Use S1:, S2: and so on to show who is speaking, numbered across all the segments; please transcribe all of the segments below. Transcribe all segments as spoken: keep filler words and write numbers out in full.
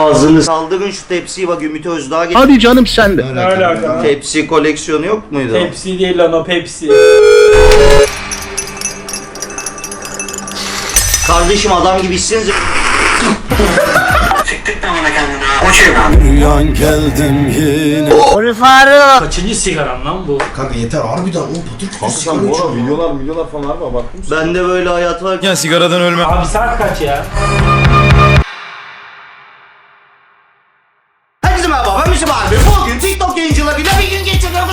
S1: Ağzını saldırın şu tepsiyi, bak Ümit Özdağ getir.
S2: Hadi canım sen de.
S3: Ne alaka?
S1: Tepsi koleksiyonu yok muydu?
S3: Pepsi değil lan o Pepsi.
S1: Kardeşim adam gibi içseniz.
S4: Uyan geldim yine.
S1: Onu Faruk.
S3: Kaçıncı sigaran lan bu?
S5: Kanka yeter harbiden oğlum patır kütür sigara
S6: Sen bu
S5: içiyor.
S6: arada videolar videolar falan var mı? Baktın mı?
S1: Bende böyle hayat var.
S4: Ya sigaradan ölme.
S3: Abi saat kaç ya?
S1: Herkese merhaba, ben Müslüm abi. Bugün TikTok yayıncılarıyla bir gün geçiriyoruz.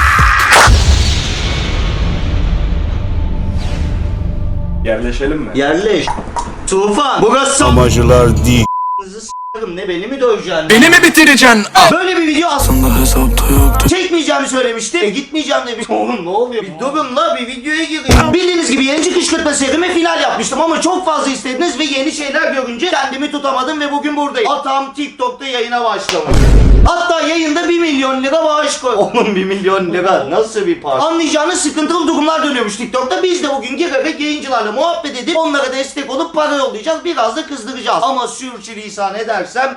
S6: Yerleşelim mi?
S1: Yerleş. Tufan. Burası
S4: Amacılar değil.
S1: s***ım, ne beni mi döveceksin?
S4: Beni mi bitireceksin?
S1: Böyle bir video aslında
S4: Aslında hesapta yoktu.
S1: çekmeyeceğimi söylemişti. E gitmeyeceğim demiş. Oğlum ne oluyor? Bir durun la, bir videoya gireyim. Bildiğiniz gibi yayıncı kışkırtma serime final yapmıştım ama çok fazla istediniz ve yeni şeyler görünce kendimi tutamadım ve bugün buradayım. Atam TikTok'ta yayına başlamış. Hatta yayında bir milyon lira bağış koy. Oğlum bir milyon lira nasıl bir para? Anlayacağınız sıkıntılı durumlar dönüyormuş TikTok'ta. Biz de bugün girerek yayıncılarla muhabbet edip onlara destek olup para yollayacağız. Biraz da kızdıracağız. Ama sürçülisan edersem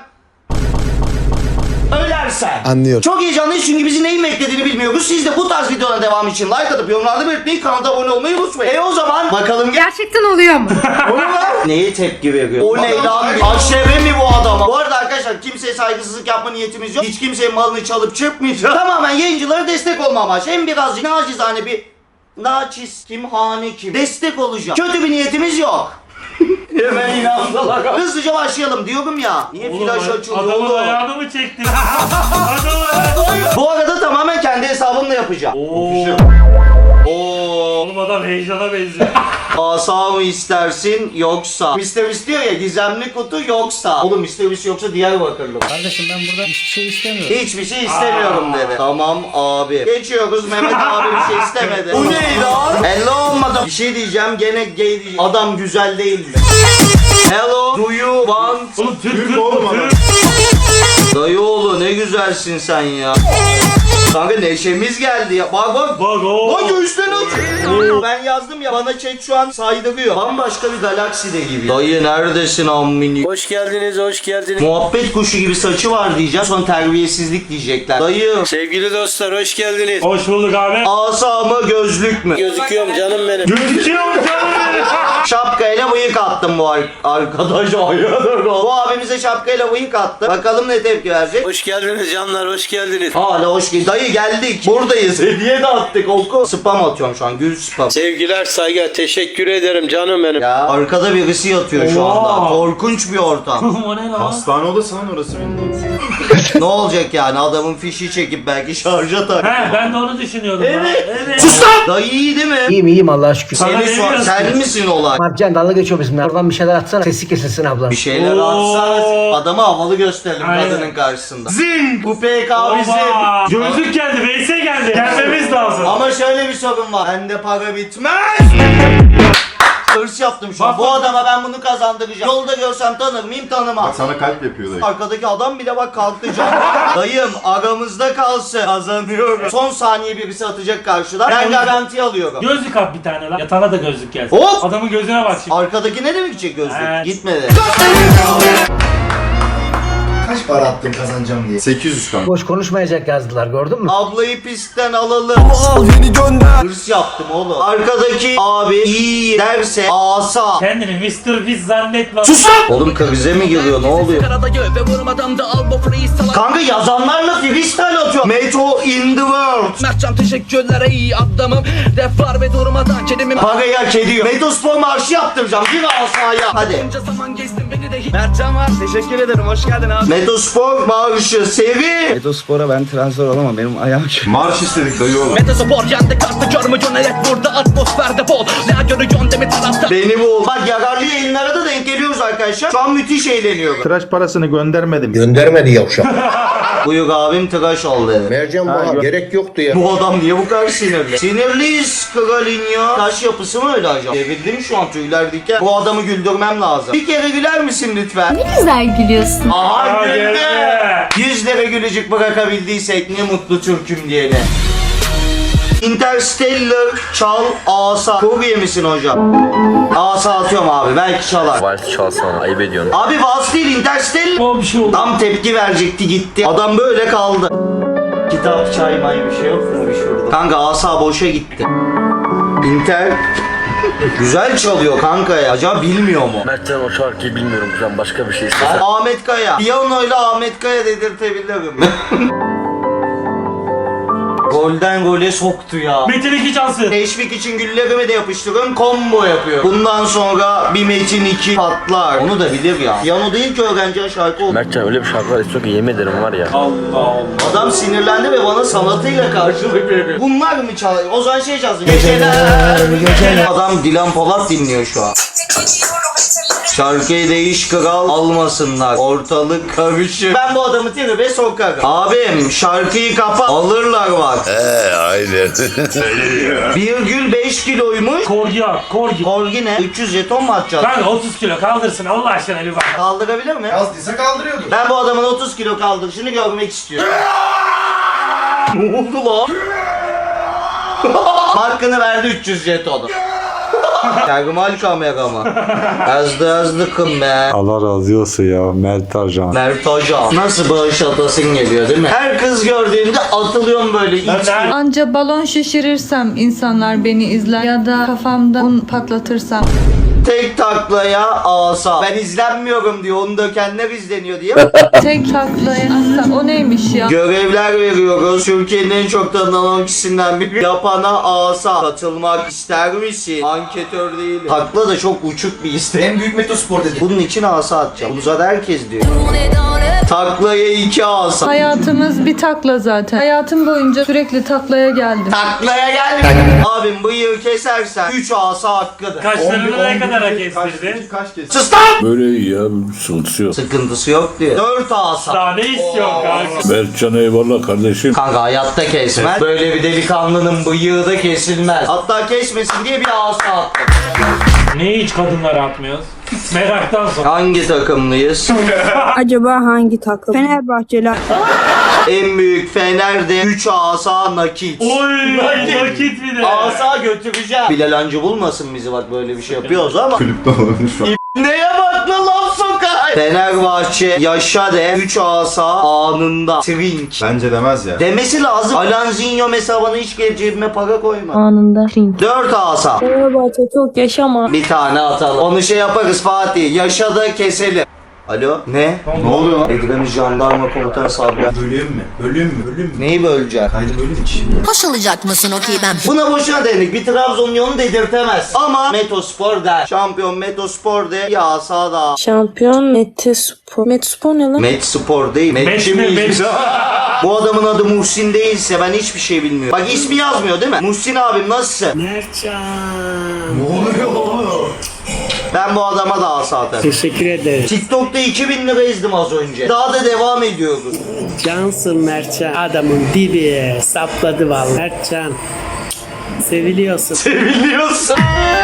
S1: ölersen.
S4: Anlıyorum.
S1: Çok heyecanlıyız çünkü bizi neyin beklediğini bilmiyoruz. Siz de bu tarz videoların devamı için like atıp yorumlarda belirtmeyi, kanala abone olmayı unutmayın. E o zaman bakalım gel.
S7: Gerçekten oluyor mu?
S1: Neye tepki veriyor? O ne lan? Aşeve mi bu adama? Bu arada arkadaşlar kimseye saygısızlık yapma niyetimiz yok. Hiç kimsenin malını çalıp çırpmayacağız. Tamamen yayıncılara destek olma amaç. Hem birazcık nacizane bir naçiz kim hane kim destek olacağım. Kötü bir niyetimiz yok. Hemen inandılar. Hızlıca başlayalım diyorum ya. Niye flaş açılıyor
S3: Adamın
S1: oğlum?
S3: ayağını mı çektin? Adamın ayağını.
S1: Bu arada tamamen kendi hesabımla yapacağım.
S3: Oo.
S1: Oo.
S3: Oğlum adam heyecana benziyor.
S1: Asa mı istersin yoksa? Mister Beast diyor ya, gizemli kutu yoksa. Oğlum Mister Beast yoksa Diyarbakırlı.
S8: Kardeşim ben burada hiçbir şey istemiyorum.
S1: Hiçbir şey istemiyorum dedi. Tamam abi. Geçiyoruz, Mehmet abi bir şey istemedi. Bu ne lan? Hello olmadı. Bir şey diyeceğim, gene gay diyeceğim. Adam güzel değil mi? Hello, do you want?
S3: Oğlum Türk
S6: Türk
S3: Türk
S6: oğlum
S3: Türk.
S6: adam.
S1: Dayıoğlu ne güzelsin sen ya. Kanka neşemiz geldi ya. Bak bak.
S3: Bak o.
S1: Bak göğüsten açıyor. Ben yazdım ya, bana chat şu an saydırıyor. Bambaşka bir galakside gibi. Dayı neredesin ammini?
S8: Hoş geldiniz, hoş geldiniz.
S1: Muhabbet kuşu gibi saçı var diyeceğim. Sonra terbiyesizlik diyecekler. Dayı.
S8: Sevgili dostlar, hoş geldiniz.
S3: Hoş bulduk abi.
S1: Asa mı gözlük mü?
S8: Gözüküyorum canım benim.
S3: Gözüküyor mu canım benim?
S1: Şapkayla bıyık attım bu ar- arkadaş. Hayırdır o? Bu abimize şapkayla bıyık attı. Bakalım ne tepki verecek.
S8: Hoş geldiniz canlar, hoş geldiniz.
S1: Hala hoş geldin. Dayı geldik. Buradayız. Hediye de attık. Oku. Spam atıyorum şu an. Gül spam.
S8: Sevgiler, saygı, teşekkür ederim canım benim.
S1: Ya arkada birisi yatıyor şu anda.
S3: Oha.
S1: Korkunç bir ortam.
S3: O ne lan?
S6: Hastane odası lan orası bildiğin.
S1: Ne olacak yani, adamın fişi çekip belki şarja tak.
S3: He ben de onu düşünüyordum.
S1: Evet.
S3: lan. Evet.
S1: Sus lan! Dayı iyi değil mi?
S9: İyiyim iyiyim Allah'a şükür.
S3: Sana
S1: Seni
S3: ne
S1: şu
S3: diyorsun?
S1: sen misin olay?
S9: Marcan dalga geçiyor bizimle. Oradan bir şeyler atsana. Sesi kesilsin abla.
S1: Bir şeyler
S3: Oo.
S1: atsanız adamı havalı gösterelim
S3: Aynen.
S1: kadının karşısında. Zing! Bu P K bizim.
S3: Oba. Gözlük geldi, Veysel geldi. Gelmemiz lazım.
S1: Ama şöyle bir sorun var. Bende para bitmez. Hırs yaptım şu an.
S3: Bak,
S1: Bu
S3: bak.
S1: adama ben bunu kazandıracağım. Yolda görsem tanır mıyım, tanımam.
S6: Bak sana kalp yapıyor dayı.
S1: Arkadaki adam bile bak kalktı can. Dayım aramızda kalsın. Kazanıyorum. Son saniye birisi atacak karşıdan. Ben garanti alıyorum.
S3: Gözlük at bir tane lan. Yatağına da gözlük gelsin.
S1: Hop!
S3: Adamın gözüne bak şimdi.
S1: Arkadaki ne demek gidecek gözlük?
S3: Evet.
S1: Gitmedi.
S5: Kaç para attın kazanacağım diye.
S6: sekiz yüz kanka.
S9: Boş konuşmayacak yazdılar gördün mü?
S1: Ablayı pistten alalım.
S4: Al beni gönder.
S1: Hırs yaptım oğlum. Arkadaki abi iyi derse asa.
S3: Kendini mister Beast zannetme.
S1: Sus lan! Oğlum krize mi giriyor, ne oluyor? Kanka yazanlarla freestyle atıyor. Meto in the world.
S10: Mertcan teşekkürler iyi adamım. Defar ve durmadan kedimim.
S1: Parayı hak ediyor. Metospor marşı yaptıracağım. Bir asaya. Hadi.
S10: Bunca zaman geçtim beni de hiç. Mertcan var teşekkür ederim hoş geldin abi.
S1: Metospor marşı seri.
S8: Metospor'a ben transfer olamam, benim ayağım kötü.
S6: Marş istedik dayı oğlum.
S10: Metaspor yendi kartı görmü cönelet burada atmosferde bol. Ne görüyorsun demi tarafta.
S1: Beni bul. Bak yararlı yayınlara da denk geliyoruz arkadaşlar. Şu an müthiş eğleniyorum.
S2: Tıraş parasını göndermedim.
S4: Göndermedi yavşak.
S1: Buyur abim tıraş ol dedi.
S4: Mercan bana gerek yoktu ya.
S1: Bu adam niye bu kadar sinirli? Sinirliyiz Kralinho. Taş yapısı mı öyle acaba? Devirdim şu an tüyler diken. Bu adamı güldürmem lazım. Bir kere güler misin lütfen?
S7: Ne güzel gülüyorsun.
S1: Aha
S3: Aa,
S1: güldü.
S3: geldi.
S1: Yüz lira gülücük bırakabildiysek ne mutlu Türk'üm diyene. Interstellar çal asa. Kurye misin hocam? Asa atıyorum abi belki çalar.
S8: Vals çalsana ayıp ediyorsun.
S1: Abi Vals değil Interstellar.
S3: O bir şey oldu.
S1: Tam tepki verecekti gitti. Adam böyle kaldı. Kitap, çay, may bir şey yok mu bir şurada? Kanka asa boşa gitti. Inter güzel çalıyor kanka ya. Acaba bilmiyor mu?
S8: Mertcan o şarkıyı bilmiyorum ben başka bir şey istesem.
S1: Ahmet Kaya. Piyanoyla Ahmet Kaya dedirtebilirim. Golden gole soktu ya.
S3: Metin iki cansı.
S1: Teşvik için güllerimi de yapıştırıyorum. Combo yapıyorum. Bundan sonra bir Metin iki patlar. Onu da bilir ya. Piyano değil ki öğrenci şarkı oldu.
S8: Mertcan öyle bir şarkılar istiyor ki yemin ederim var ya.
S3: Allah Allah.
S1: Adam sinirlendi ve bana sanatıyla karşılık veriyor. Bunlar mı çalıyor? O zaman şey çalsın. Geceler, geceler. Adam Dilan Polat dinliyor şu an. Şarkıyı değiş kral almasınlar. Ortalık karışır. Ben bu adamı tribe sokarım. Abim şarkıyı kapa alırlar bak.
S4: Eee aynen.
S1: Virgül beş kiloymuş.
S3: Korgi at, korgi.
S1: Korgi ne? üç yüz jeton mu atacağız?
S3: Ben otuz kilo kaldırsın Allah aşkına bir bak.
S1: Kaldırabilir mi?
S5: Yazdıysa kaldırıyordur.
S1: Ben bu adamın otuz kilo kaldırışını görmek istiyorum. Ne oldu lan? Hakkını verdi üç yüz jetonu. Termal kamera mı? Yazdı yazdıkım be.
S2: Allah razı olsun ya Mert Arjan.
S1: Mert Hoca. Nasıl bağış atasın geliyor değil mi? Her kız gördüğümde atılıyorum böyle. İç
S3: Ben de
S7: Anca balon şişirirsem insanlar beni izler ya da kafamda un patlatırsam.
S1: tek taklaya asa. Ben izlenmiyorum diyor. Onu dökenler izleniyor diye.
S7: Tek taklaya atsam o neymiş ya?
S1: Görevler veriyoruz. Türkiye'nin en çok tanınan on kişisinden biri. Yapana asa. Katılmak ister misin? Anketör değilim. Takla da çok uçuk bir istek.
S5: En büyük metospor dedi.
S1: Bunun için asa atacağım. Bunu zaten herkes diyor. Taklaya iki asa.
S7: Hayatımız bir takla zaten. Hayatım boyunca sürekli taklaya geldim.
S1: Taklaya gel. Abim bıyığı kesersen üç asa hakkıdır.
S3: kaşlarını ne kadar kestirdi?
S6: Kaç kez?
S1: Sus lan!
S4: Böyle iyi ya sıkıntısı yok.
S1: Sıkıntısı yok diyor. Dört asa.
S3: Daha ne istiyorsun kanka?
S4: Mertcan eyvallah kardeşim.
S1: Kanka hayatta kesmez. Böyle bir delikanlının bıyığı da kesilmez. Hatta kesmesin diye bir asa attım.
S3: Niye hiç kadınlara atmıyoruz? Meraktan sonra.
S1: Hangi takımlıyız?
S7: Acaba hangi takım? Fenerbahçeler.
S1: En büyük Fener'de üç asa nakit.
S3: Oy nakit bir de.
S1: Asa götüreceğim. Bilal Hancı bulmasın bizi bak böyle bir şey yapıyoruz ama.
S6: Kulüpte olabilir şu an.
S1: Neye bak lan laf sokar. Fenerbahçe yaşa de üç asa anında. Trink.
S6: Bence demez ya.
S1: Demesi lazım. Alanzinho hesabına hiç gelip cebime para koyma.
S7: Anında.
S1: Dört asa.
S7: Fenerbahçe çok yaşama.
S1: Bir tane atalım. Onu şey yaparız Fatih. Yaşa da keselim. Alo? Ne?
S6: Ne oluyor lan?
S1: Edremit Jandarma Komutanı Sabri.
S5: Bölüm mü? Bölüm mü? Bölüm mü?
S1: Neyi böleceksin?
S5: Kaydı bölüm için.
S11: Hoş olacak mısın okey ben?
S1: Buna boşuna dedik. Bir Trabzonlu dedirtemez. Ama Metospor der. Şampiyon Metospor de. Ya sağda.
S7: Şampiyon Metespor. Metespor ne lan?
S1: Metspor değil. Metçi
S3: Met mi?
S1: miyiz?
S3: Met.
S1: Bu adamın adı Muhsin değilse ben hiçbir şey bilmiyorum. Bak ismi yazmıyor değil mi? Muhsin abim nasılsın?
S5: Ne oluyor oğlum?
S1: Ben bu adama da asa atarım.
S9: Teşekkür ederim.
S1: TikTok'ta iki bin lira izledim az önce. Daha da devam ediyoruz.
S9: Cansın Mertcan. Adamın dibi sapladı vallahi. Mertcan. Seviliyorsun.
S1: Biliyorsun.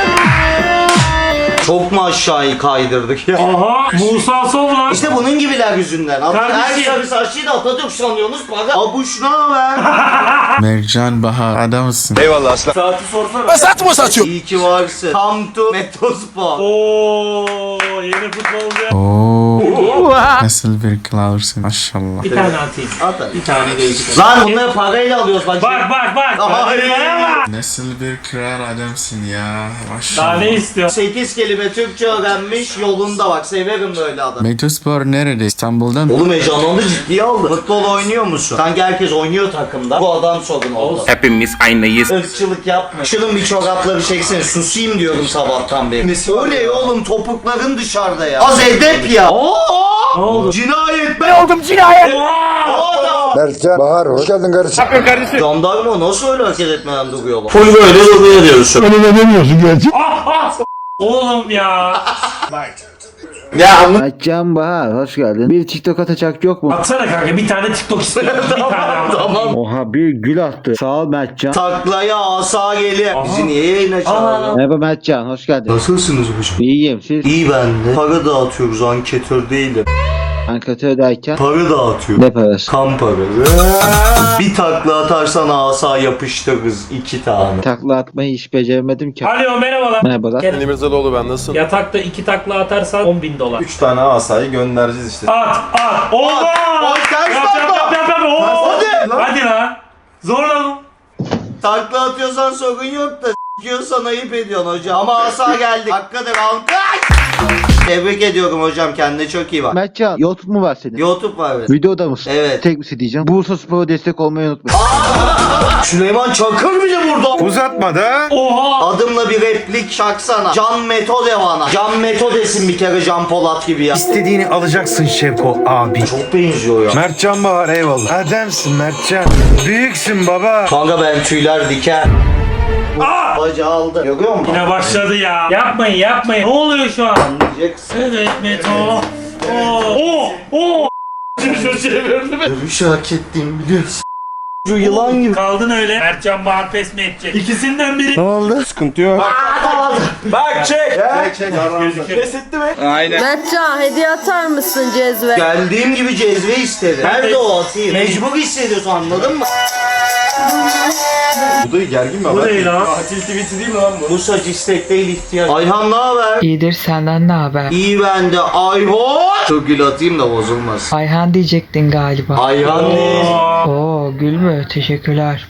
S1: Çok mu aşağıyı kaydırdık ya?
S3: Aha Musa Sovlan.
S1: İşte bunun gibiler yüzünden. Her
S3: Kardeşim.
S1: sarı saçlıyı da Atatürk sanıyorsunuz. Bak abuş ne haber?
S4: Mertcan Bahar adamsın.
S6: Eyvallah aslan.
S3: Saati sorsana.
S1: İyi ki varsın. Come to Metospor.
S3: Ooo yeni futbolcu.
S4: Oo. Nasıl bir kralsın maşallah.
S3: Bir tane atayım.
S1: At hadi.
S3: Bir tane değişik.
S1: Lan bunları parayla alıyoruz bak.
S3: Bak bak bak.
S1: Hayır.
S3: Bak.
S4: Nasıl bir kral adamsın ya
S3: Daha
S4: maşallah.
S3: ne istiyorsun?
S1: sekiz kelime Türkçe öğrenmiş yolunda bak. Severim böyle adam.
S4: Metospor nerede? İstanbul'dan mı?
S1: Oğlum heyecanlandı ciddiye aldı. Futbol oynuyor musun? Sanki herkes oynuyor takımda. Bu adam sorun oldu.
S8: Hepimiz aynıyız.
S1: Irkçılık yapma. Şunun bir çorapları çeksene. Susayım diyorum sabahtan beri. Öyle oğlum topukların dışarıda ya. Az edep ya. Oo!
S3: Ne oldu?
S1: Cinayet ben oldum cinayet.
S4: Mertcan Bahar hoş geldin kardeşim.
S1: Jandarma nasıl öyle hareket etmeden duruyor bak. Full böyle duruyor diyorsun.
S3: Ah ah. Oğlum ya.
S1: Ya anladın.
S8: Mertcan Bahar hoş geldin. Bir TikTok atacak yok mu?
S3: Atsana kanka bir tane TikTok istiyorum. Bir tane ama.
S1: Tamam.
S8: Oha bir gül attı. Sağ ol Mertcan.
S1: Taklaya asa gelir. Bizi niye yayına çağırıyor?
S8: Merhaba Mertcan hoş geldin.
S1: Nasılsınız hocam?
S8: İyiyim siz.
S1: İyi ben de. Para dağıtıyoruz anketör değilim.
S8: Ankatördeyken
S1: Para dağıtıyor.
S8: ne parası?
S1: Kan para. Bir takla atarsan asa yapıştırırız iki tane.
S8: Takla atmayı hiç beceremedim ki.
S3: Alo merhabalar.
S8: Merhabalar.
S3: Gel.
S6: Mirzalıoğlu ben nasılsın?
S3: Yatakta iki takla atarsan on bin dolar.
S6: üç tane asayı göndereceğiz işte.
S3: At at. Oldu.
S1: Ay, ters
S3: Yap yap
S1: takla.
S3: yap yap yap. Oo.
S1: Hadi.
S3: Hadi lan. Zorla.
S1: Takla atıyorsan sorun yok da s**kiyorsan ayıp ediyorsun hocam. Ama asa geldik. Hakikaten alkış. Tebrik ediyorum hocam, kendine çok iyi bak.
S8: Mertcan, YouTube mu var senin?
S1: YouTube var evet.
S8: Videoda mısın?
S1: Evet.
S8: Tek bir şey diyeceğim. Bursa Spor'a destek olmayı unutma.
S1: Süleyman Çakır bile burada.
S2: Uzatma da.
S3: Oha.
S1: Adımla bir replik şaksana. Can Metode bana. Can Metodesin bir kere Can Polat gibi ya.
S2: İstediğini alacaksın Şevko abi.
S1: Çok benziyor ya.
S2: Mertcan Bahar eyvallah. Ademsin Mertcan. Büyüksün baba.
S1: Kanka ben tüyler diken. Bacı aldı. Görüyor musun?
S3: Yine başladı ya. Yapmayın yapmayın. Ne oluyor şu an?
S1: Anlayacaksın.
S3: Evet Meto. Oo. Oo. Oo. Şu çevirdi mi?
S1: Dövüş hak ettiğimi biliyorsun. Şu yılan gibi.
S3: Kaldın öyle. Mertcan Bahar pes mi edecek? İkisinden biri.
S1: Ne oldu?
S2: Sıkıntı yok.
S3: Bak çek.
S6: Çek çek.
S3: Gözüküyor.
S7: Mertcan hediye atar mısın cezve?
S1: Geldiğim gibi cezve istedi. Nerede o atayım? Mecbur hissediyorsun, anladın mı?
S6: Bu da gergin mi
S3: Bu
S6: abi?
S3: ne lan?
S6: Tatil tweet'i değil mi lan bu?
S1: Bu saç istek değil, ihtiyaç. Ayhan ne haber?
S12: İyidir, senden ne haber?
S1: İyi bende. Ayhan. Çok gül atayım da bozulmasın.
S12: Ayhan diyecektin galiba.
S1: Ayhan değil.
S12: Oo, gül mü? Teşekkürler.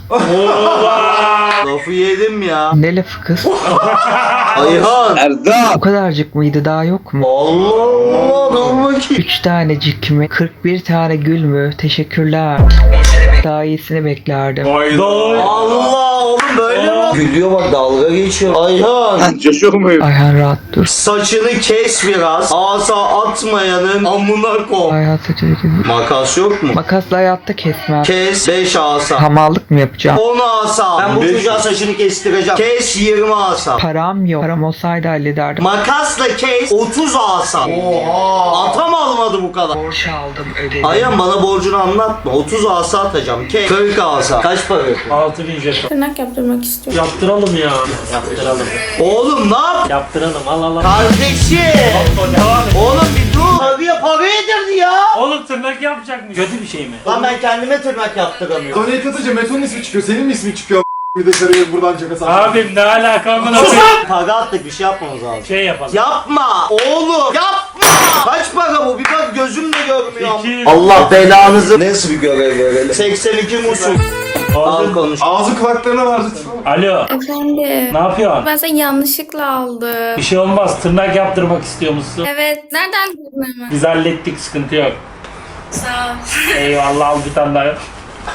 S1: Lafı yedim ya.
S12: Ne lafı kız?
S1: Ayhan.
S12: O kadarcık mıydı, daha yok mu?
S1: Allah Allah. Dur bakayım.
S12: Üç tanecik mi? kırk bir tane gül mü? Teşekkürler. Daha iyisini beklerdim.
S1: Allah oğlum böyle mi? Gülüyor bak, dalga geçiyor. Ayhan.
S12: Ayhan rahat dur.
S1: Saçını kes biraz. Asa atmayanın amına koy.
S12: Ayhan saçını kes.
S1: Makas yok mu?
S12: Makasla hayatta kesmem.
S1: Kes beş asa.
S12: Hamallık mı yapacağım?
S1: on asa. Ben bu çocuğa saçını kestireceğim. Kes yirmi asa.
S12: Param yok. Param olsaydı hallederdim.
S1: Makasla kes otuz asa. Oha. Atam almadı bu kadar.
S12: Borç aldım, ödedim.
S1: Ayhan bana borcunu anlatma. otuz asa atacağım. Kes. kırk asa. Kaç para yapıyor?
S3: altı bin jeton.
S7: Tırnak yaptırmak istiyorum.
S3: Yaptıralım ya. Yaptıralım.
S1: Oğlum ne yap?
S3: Yaptıralım. Al al al.
S1: Kardeşim.
S3: Devam et.
S1: Oğlum bir dur. Paraya para yedirdi ya.
S3: Oğlum tırnak yapacakmış. Kötü bir şey mi?
S1: Lan ben kendime tırnak yaptıramıyorum.
S6: Donate atınca Meto'nun ismi çıkıyor. Senin mi ismin çıkıyor? Bir de sarıyor buradan cebe sana.
S3: Abim ne alaka amına
S1: Sus
S3: koyayım?
S1: lan! Para attık, bir şey yapmamız lazım.
S3: Şey yapalım.
S1: Yapma oğlum, yapma! Kaç para bu? Bir bak gözümle görmüyorum.
S3: İki.
S1: Allah belanızı. Nasıl bir görev verelim? seksen iki musul. Al konuş.
S6: Ağzı kulaklarına var lütfen.
S3: Alo.
S7: Efendim.
S3: Ne yapıyorsun?
S7: Ben seni yanlışlıkla aldım.
S3: Bir şey olmaz. Tırnak yaptırmak istiyor musun?
S7: Evet. Nereden buldun hemen?
S3: Biz hallettik. Sıkıntı yok.
S7: Sağ ol.
S3: Eyvallah, al bir tane daha yap.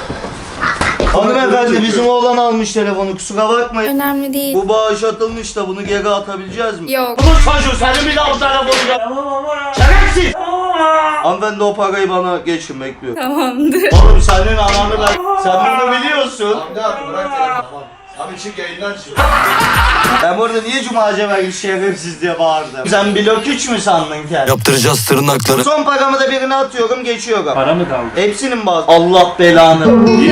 S1: Hanımefendi bizim oğlan almış telefonu, kusura bakmayın.
S7: Önemli değil.
S1: Bu bağış atılmış da bunu geri atabileceğiz mi?
S7: Yok.
S1: Bu çocuğu senin bir daha o telefonu ya.
S3: Tamam ama ya.
S1: Şerefsiz!
S3: Tamam ama.
S1: Hanımefendi o parayı bana geçin, bekliyorum.
S7: Tamamdır.
S1: Oğlum senin ananı ben... Sen bunu biliyorsun.
S6: Abi çık yayından çık.
S1: Ben burada niye Cuma Cevher şerefsiz diye bağırdım? Sen blok üç mü sandın kendini?
S8: Yaptıracağız tırnakları.
S1: Son paramı da birine atıyorum, geçiyorum.
S3: Para mı kaldı?
S1: Hepsinin bazı. Allah belanı.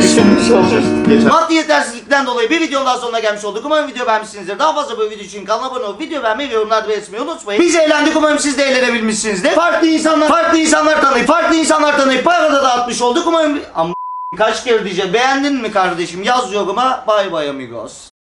S1: Maddi yetersizlikten dolayı bir videonun daha sonuna gelmiş olduk. Umarım video beğenmişsinizdir. Daha fazla böyle video için kanala abone olup video beğenmeyi ve yorumlarda belirtmeyi unutmayın. Biz eğlendik, umarım siz de eğlenebilmişsinizdir. Farklı insanlar, farklı insanlar tanıyıp, farklı insanlar tanıyıp para da dağıtmış olduk. Umarım... Am kaç kere diyeceğim. Beğendin mi kardeşim? Yaz yoruma. Bay bay amigos.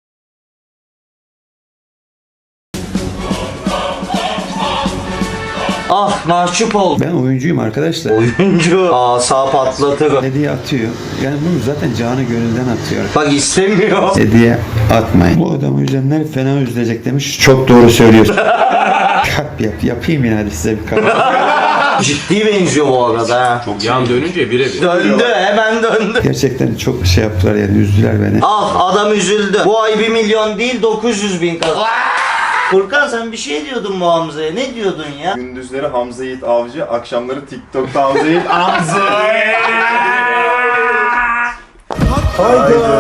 S1: Ah mahcup oldum.
S2: Ben oyuncuyum arkadaşlar.
S1: Oyuncu. Asa patlatır.
S2: Hediye atıyor. Yani bunu zaten canı gönülden atıyor.
S1: Bak istemiyor.
S2: Hediye atmayın. Bu adamı üzenler fena üzülecek demiş. Çok doğru söylüyorsun. Kalp yap. Yapayım yine hadi size bir kalp.
S1: Ciddi benziyor bu arada ha.
S6: Çok yan dönünce birebir.
S1: Döndü, hemen döndü.
S2: Gerçekten çok şey yaptılar yani üzdüler beni.
S1: Ah adam üzüldü. Bu ay bir milyon değil dokuz yüz bin kazandı. Furkan sen bir şey diyordun bu Hamza'ya. Ne diyordun ya?
S6: Gündüzleri Hamza Yiğit Avcı, akşamları TikTok'ta Hamza Yiğit Avcı.